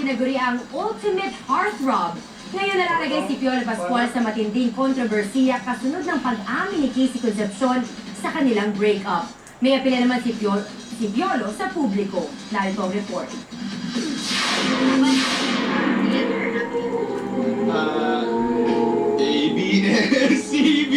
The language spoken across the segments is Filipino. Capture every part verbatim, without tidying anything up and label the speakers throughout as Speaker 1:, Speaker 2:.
Speaker 1: tinaguri ang ultimate heartthrob. Ngayon nalalagay si Piolo Pascual sa matinding kontrobersiya kasunod ng pag-amin ni Casey Concepcion sa kanilang breakup. May apela naman si Piolo, si Piolo sa publiko. Narito ang report.
Speaker 2: Uh, A, B, S, C, B.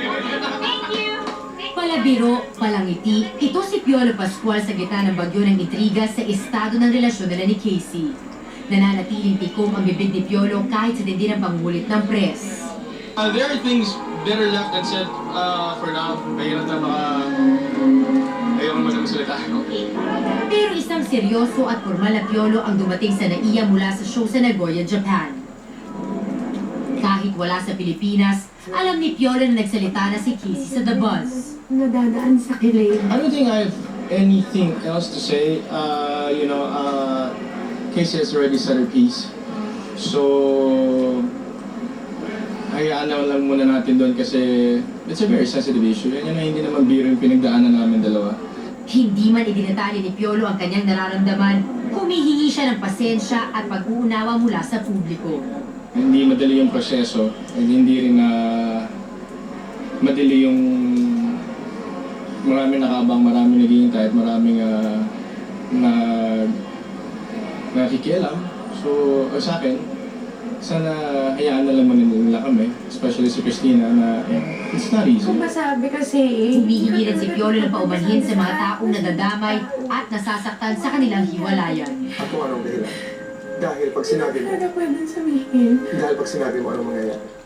Speaker 1: Palabiro, palangiti, ito si Piolo Pascual sa gitna ng bagyo ng intriga sa estado ng relasyon nila ni Casey. Nananatiling tikom ang bibig ni Piolo kahit sa tindi ng pangulit ng press.
Speaker 2: Uh, there are things better left unsaid uh, for now. Mahirap na maka... Ayoko naman na salita.
Speaker 1: Pero isang seryoso at formal na Piolo ang dumating sa Naiya mula sa show sa Nagoya, Japan. Kahit wala sa Pilipinas, alam ni Piolo na nagsalita na si Casey sa The Buzz.
Speaker 3: Nadadaan sa kilig.
Speaker 2: I don't think I have anything else to say. Uh, you know, uh, Casey has already said her piece. So, hayaan na lang muna natin doon kasi it's a very sensitive issue. Yan na hindi naman biro yung pinagdaanan namin dalawa.
Speaker 1: Hindi man idinatali ni Piolo ang kanyang nararamdaman, humihingi siya ng pasensya at pag-uunawa mula sa publiko.
Speaker 2: Hindi madali yung proseso at hindi rin na madali yung maraming nakabang, maraming naghihintay at maraming uh, na nakikialam. So, uh, sa akin, sana hayaan na lang nila kami, especially si Christina, na eh, it's not easy.
Speaker 3: Kung masabi kasi eh.
Speaker 1: Humihingi rin si Piolo ng paumanhin sa mga taong nadadamay at nasasaktan sa kanilang hiwalayan.
Speaker 4: At kung anong dahilan. Dahil pag sinabi mo,
Speaker 3: Ano pwedeng sabihin?
Speaker 4: dahil pag sinabi mo anong mangyayari.